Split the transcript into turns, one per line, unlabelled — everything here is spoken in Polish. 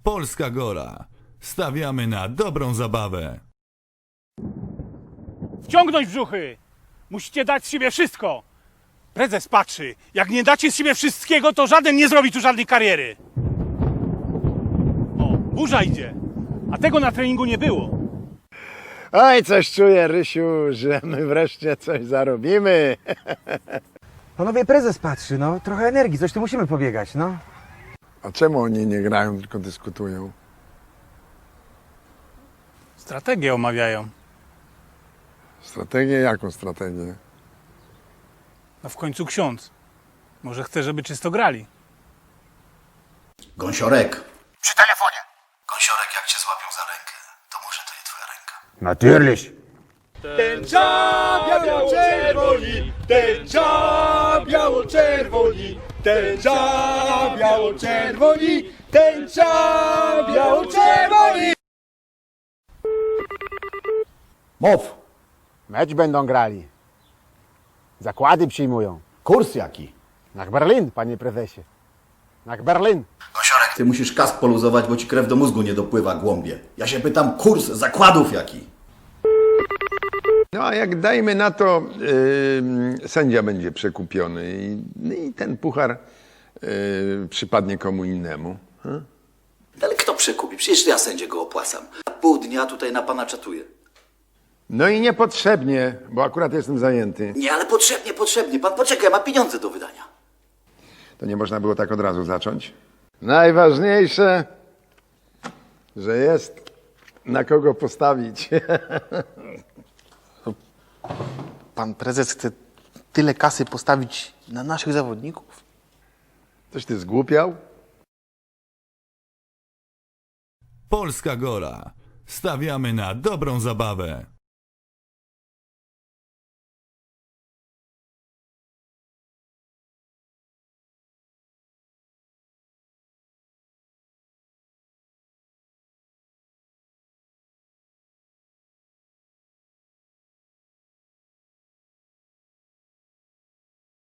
Polska Gora. Stawiamy na dobrą zabawę.
Wciągnąć brzuchy! Musicie dać z siebie wszystko! Prezes patrzy. Jak nie dacie z siebie wszystkiego, to żaden nie zrobi tu żadnej kariery. O, burza idzie. A tego na treningu nie było.
Oj, coś czuję, Rysiu, że my wreszcie coś zarobimy.
Panowie, prezes patrzy, no. Trochę energii, coś tu musimy pobiegać, no.
A czemu oni nie grają, tylko dyskutują?
Strategię omawiają.
Strategię? Jaką strategię?
No w końcu ksiądz. Może chce, żeby czysto grali.
Gąsiorek. Przy telefonie. Gąsiorek, jak cię złapią za rękę, to może to nie twoja ręka.
Natürlich.
Tęcza biało-czerwoni, tęcza biało-czerwoni, tęcza biało-czerwoni, tęcza biało-czerwoni.
Mów.
Mecz będą grali. Zakłady przyjmują.
Kurs jaki?
Na Berlin, panie prezesie. Na Berlin.
Gąsiorek, ty musisz kask poluzować, bo ci krew do mózgu nie dopływa, głąbie. Ja się pytam, kurs zakładów jaki?
No a jak dajmy na to, sędzia będzie przekupiony i ten puchar przypadnie komu innemu.
Ale kto przekupi? Przecież ja sędziego opłacam. A pół dnia tutaj na pana czatuję.
No i niepotrzebnie, bo akurat jestem zajęty.
Nie, ale potrzebnie. Pan poczekaj, ma pieniądze do wydania.
To nie można było tak od razu zacząć? Najważniejsze, że jest na kogo postawić.
Pan prezes chce tyle kasy postawić na naszych zawodników?
Coś ty zgłupiał?
Polska Gora. Stawiamy na dobrą zabawę.